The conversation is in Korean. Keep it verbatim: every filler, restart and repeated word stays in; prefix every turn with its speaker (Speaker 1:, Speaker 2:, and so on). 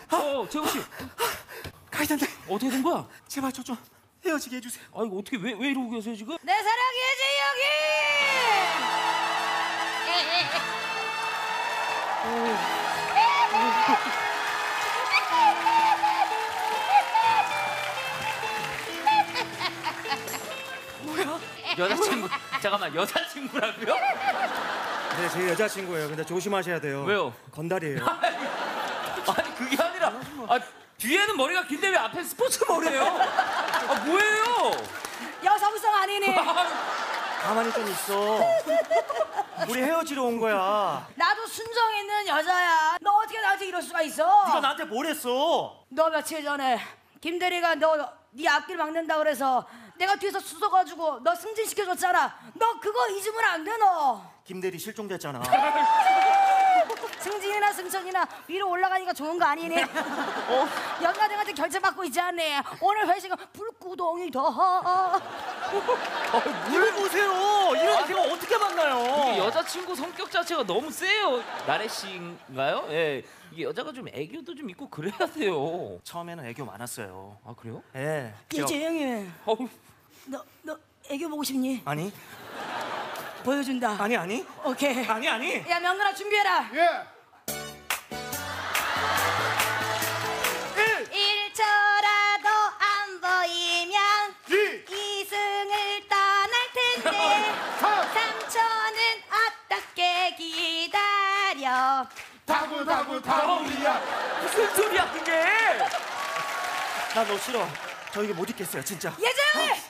Speaker 1: 어, 재호 씨.
Speaker 2: 가이단데
Speaker 1: 어떻게 된 거야?
Speaker 2: 제발 저 좀 헤어지게 해주세요.
Speaker 1: 아 이거 어떻게 왜 왜 이러고 계세요 지금?
Speaker 3: 내 사랑이
Speaker 2: 뭐야?
Speaker 1: 여자친구 잠깐만 여자친구라고요?
Speaker 2: 네, 제 여자친구예요. 근데 조심하셔야 돼요.
Speaker 1: 왜요?
Speaker 2: 건달이에요.
Speaker 1: 아니 그게 아니라 아 뒤에는 머리가 긴데 왜 앞에 스포츠 머리예요? 아 뭐예요?
Speaker 3: 여성성 아니니?
Speaker 2: 가만히 좀 있어. 우리 헤어지러 온 거야.
Speaker 3: 나도 순정 있는 여자야. 너 어떻게 나한테 이럴 수가 있어?
Speaker 2: 네가 나한테 뭘 했어?
Speaker 3: 너 며칠 전에 김대리가 너 네 앞길 막는다 그래서 내가 뒤에서 수서가지고 너 승진시켜줬잖아. 너 그거 잊으면 안 돼 너.
Speaker 2: 김대리 실종됐잖아.
Speaker 3: 승진이나 승천이나 위로 올라가니까 좋은 거 아니니? 어? 연가등한테 결제받고 있지 않니? 오늘 회식은 불구덩이 더.
Speaker 2: 물 보세요. 이런 제가 어떻게 만나요?
Speaker 1: 이게 여자친구 성격 자체가 너무 세요. 나래 씨인가요? 예. 이게 여자가 좀 애교도 좀 있고 그래야 돼요.
Speaker 2: 처음에는 애교 많았어요.
Speaker 1: 아 그래요?
Speaker 2: 예. 제가-
Speaker 3: 이재영이,
Speaker 1: 어우.
Speaker 3: 너, 너 애교 보고 싶니?
Speaker 2: 아니
Speaker 3: 보여준다.
Speaker 2: 아니 아니
Speaker 3: 오케이.
Speaker 2: 아니 아니.
Speaker 3: 야 명근아 준비해라.
Speaker 4: 예.
Speaker 3: 일 초라도 안 보이면
Speaker 4: 이.
Speaker 3: 이승을 떠날 텐데 삼 초는 어떻게 기다려.
Speaker 4: 다구 다구 다구리야.
Speaker 1: 무슨 소리야 그게?
Speaker 2: 나 너 싫어. 저 이게 못 있겠어요 진짜.
Speaker 3: 예정이